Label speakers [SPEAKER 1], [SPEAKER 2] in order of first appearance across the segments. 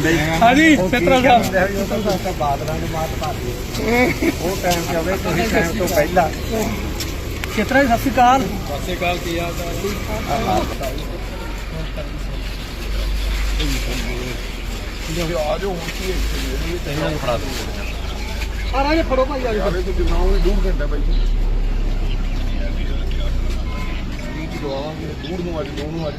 [SPEAKER 1] हाँ जी चित्रा साहब
[SPEAKER 2] ਬਾਦਲਾਂ ਨੂੰ ਮਾਤ ਪਾ ਦਿਓ ਉਹ ਟਾਈਮ ਤੇ ਆਵੇ ਤੁਸੀਂ ਟਾਈਮ ਤੋਂ ਪਹਿਲਾਂ
[SPEAKER 1] चित्रा जी सत श्री अकाल
[SPEAKER 2] ਆ ਜਾਓ ਹੁਣ ਕੀ ਇਹਨਾਂ ਨੂੰ ਫੜਾ ਦਿਓ
[SPEAKER 1] आ राजे फड़ो भाई आ
[SPEAKER 2] ਆਵੇ ਤੋਂ ਦਿਨਾਉਂ 2 ਘੰਟਾ ਬਾਈ ਕੀ ਦਵਾਵਾਂਗੇ 2 ਨੂੰ ਅੱਜ 2 ਨੂੰ ਅੱਜ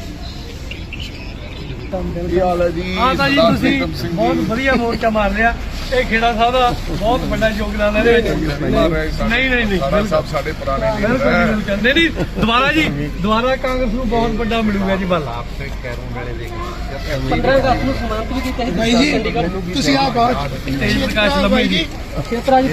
[SPEAKER 2] ਕੀ ਹਾਲ ਹੈ ਜੀ
[SPEAKER 1] हाँ जी तुसी बहुत वधिया मोर्चा मार लिया ਇਹ ਖੇੜਾ ਸਾਹਿਬ ਦਾ ਬਹੁਤ ਵੱਡਾ ਯੋਗਦਾਨ ਹੈ ਇਹਦੇ ਵਿੱਚ ਨਹੀਂ
[SPEAKER 2] ਸਾਹਿਬ ਸਾਡੇ ਪੁਰਾਣੇ
[SPEAKER 1] ਬਿਲਕੁਲ ਜੀ ਬਿਲਕੁਲ ਨਹੀਂ ਦੁਬਾਰਾ ਜੀ ਦੁਬਾਰਾ ਕਾਂਗਰਸ ਨੂੰ ਬਹੁਤ ਵੱਡਾ ਮਿਲੂਗਾ ਜੀ ਬਲ
[SPEAKER 2] ਆਪਸੇ ਕੈਰੋਂ ਵੇਲੇ ਦੇ
[SPEAKER 3] 15 ਅਗਸਤ ਨੂੰ ਸਮਾਪਤ ਵੀ ਕੀਤਾ
[SPEAKER 4] ਭਾਈ ਜੀ ਤੁਸੀਂ ਆ ਬਾਤ
[SPEAKER 1] ਤੇਜ ਪ੍ਰਕਾਸ਼ ਲੱਭੀ ਜੀ
[SPEAKER 3] ਖੇਤਰਾ ਜੀ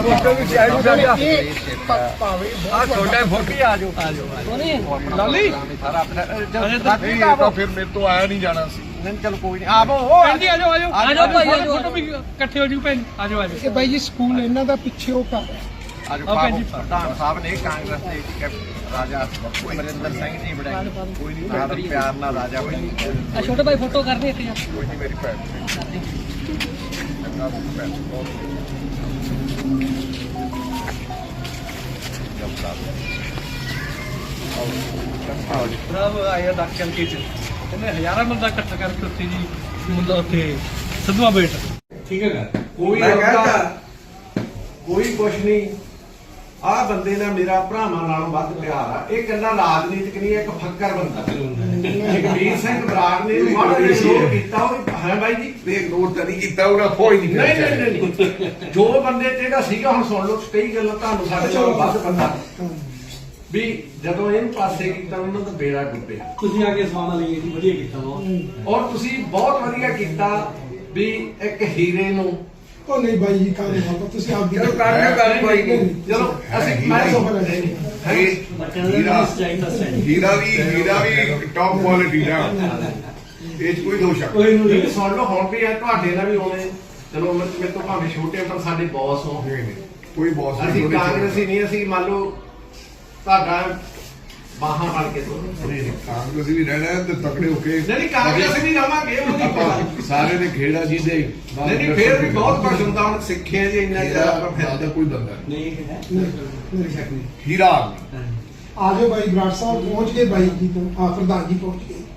[SPEAKER 1] ਆ ਛੋਟਾ ਫੋਟੀ ਆ ਜਾਓ ਲਾਲੀ
[SPEAKER 2] ਸਾਰਾ ਆਪਣਾ ਤਾਂ ਫਿਰ ਮੇਰੇ ਤੋਂ ਆਇਆ ਨਹੀਂ ਜਾਣਾ ਸੀ ਨਹੀਂ ਚਲ ਕੋਈ ਨਹੀਂ ਆਵੋ
[SPEAKER 1] ਭੈਣ ਜੀ ਆ ਜਾਓ ਭਾਈ ਫੋਟੋ ਵੀ ਇਕੱਠੇ ਹੋ ਜੂ ਭੈਣ ਆ ਜਾਓ
[SPEAKER 4] ਇਹ ਬਾਈ ਜੀ ਸਕੂਲ ਇਹਨਾਂ ਦਾ ਪਿੱਛੇ ਉਹ ਘਰ ਹੈ
[SPEAKER 2] ਅੱਜ ਪ੍ਰਧਾਨ ਸਾਹਿਬ ਨੇ ਕਾਂਗਰਸ ਦੇ ਰਾਜਾ ਅਮਰਿੰਦਰ ਸਿੰਘ ਜੀ ਬਣਾਏ ਕੋਈ ਨਹੀਂ ਨਾਲ ਪਿਆਰ ਨਾਲ ਰਾਜਾ ਬਣੀ
[SPEAKER 3] ਆ ਛੋਟੇ ਭਾਈ ਫੋਟੋ ਕਰਨੀ ਇੱਕ ਜਾਂ
[SPEAKER 2] ਕੋਈ ਨਹੀਂ ਮੇਰੀ ਭੈਣ ਚੰਗਾ ਭੈਣ
[SPEAKER 1] ਬਰਾਵੋ ਆਇਆ ਡਾਕਟਰ ਕੇ ਚ ਇਹਨੇ ਹਜ਼ਾਰਾਂ ਬੰਦਾ ਇਕੱਠਾ ਕਰਕੇ ਉੱਥੇ ਜੀ ਮੁੰਡਾ ਉੱਥੇ ਸਦਵਾ ਬੇਟ ਠੀਕ ਹੈ
[SPEAKER 5] ਕੋਈ ਕੋਈ ਕੁਛ ਨਹੀਂ ਆ ਬੰਦੇ ਨਾਲ ਮੇਰਾ ਭਰਾਵਾਂ ਨਾਲੋਂ ਵੱਧ ਪਿਆਰ ਆ ਇਹ ਕੱਲਾ ਰਾਜਨੀਤਿਕ ਨਹੀਂ ਇੱਕ ਫੱਕਰ ਬੰਦਾ ਜਗਬੀਰ ਸਿੰਘ ਬਰਾੜ ਨੇ ਮਾੜਾ ਜਿਹਾ ਸ਼ੋਅ ਕੀਤਾ ਉਹ ਹੈ ਬਾਈ ਜੀ
[SPEAKER 2] ਦੇਖ ਨੋਟ ਤਾਂ ਨਹੀਂ ਕੀਤਾ ਉਹਦਾ ਕੋਈ ਨਹੀਂ
[SPEAKER 5] ਨਹੀਂ ਜੋ ਬੰਦੇ ਤੇ ਇਹਦਾ ਸੀਗਾ ਹੁਣ ਸੁਣ ਲਓ ਕਈ ਗੱਲਾਂ ਤੁਹਾਨੂੰ ਸਾਡੇ ਨਾਲੋਂ ਵੱਧ ਬੰਦਾ ਵੀ ਜਦੋਂ ਇਹਨੂੰ ਪਾਸੇ ਕੀਤਾ ਉਹਨਾਂ ਦਾ ਬੇੜਾ ਡੁੱਬਿਆ
[SPEAKER 1] ਤੁਸੀਂ ਆ ਕੇ ਸਵਾਲ ਲਈਏ ਜੀ ਵਧੀਆ ਕੀਤਾ ਬਹੁਤ
[SPEAKER 5] ਔਰ ਤੁਸੀਂ ਬਹੁਤ ਵਧੀਆ ਕੀਤਾ ਵੀ ਇੱਕ ਹੀਰੇ ਨੂੰ
[SPEAKER 4] ਉਹ ਨਹੀਂ ਬਾਈ ਜੀ ਕਾਹਦੇ ਨਾਲ ਤੁਸੀਂ ਆਪ
[SPEAKER 5] ਚਲੋ ਕਰ ਕੋਈ ਨਹੀਂ ਚਲੋ ਅਸੀਂ ਮੈਂ
[SPEAKER 2] ਹੀਰਾ ਵੀ ਟੌਪ ਕੁਆਲਿਟੀ ਦਾ ਇਹ 'ਚ ਕੋਈ ਦੋਸ਼
[SPEAKER 5] ਕੋਈ ਨਹੀਂ ਸੁਣ ਲਓ ਹੁਣ ਵੀ ਆ ਤੁਹਾਡੇ ਨਾਲ ਵੀ ਹੋਣੇ ਚਲੋ ਮੇਰੇ ਤੋਂ ਭਾਵੇਂ ਛੋਟੇ ਪਰ ਸਾਡੇ ਬੌਸ ਹੋ
[SPEAKER 2] ਕੋਈ ਬੌਸ
[SPEAKER 5] ਅਸੀਂ ਕਾਂਗਰਸੀ ਨਹੀਂ ਅਸੀਂ ਮੰਨ ਲਓ ਤੁਹਾਡਾ ਬਾਹਾਂ ਫੜ ਕੇ ਤੋਂ
[SPEAKER 2] ਕਾਂਗਰਸ ਵੀ ਰਹਿਣਾ ਤੇ ਤਕੜੇ ਹੋ ਕੇ
[SPEAKER 5] ਨਹੀਂ ਕਾਂਗਰਸ ਨਹੀਂ ਰਵਾਂਗੇ ਉਹਦੀ
[SPEAKER 2] ਸਾਰੇ ਦੇ ਖੇੜਾ ਜੀ ਦੇ
[SPEAKER 5] ਨਹੀਂ ਫੇਰ ਵੀ ਬਹੁਤ ਕੁਝ ਹੁੰਦਾ ਹੁਣ ਸਿੱਖਿਆ ਜੀ ਇੰਨਾ ਜ਼ਿਆਦਾ ਆਪਾਂ
[SPEAKER 2] ਫਿਰਦਾ ਕੋਈ ਬੰਦਾ
[SPEAKER 1] ਨਹੀਂ ਹੈ
[SPEAKER 4] ਮੇਰੇ ਸ਼ੱਕ ਨਹੀਂ
[SPEAKER 2] ਹੀਰਾ
[SPEAKER 4] ਆ ਜਾਓ ਬਾਈ ਬਰਾੜ ਸਾਹਿਬ ਪਹੁੰਚ ਗਏ ਬਾਈ ਜੀ ਤੋਂ ਪ੍ਰਧਾਨ ਜੀ ਪਹੁੰਚ ਗਏ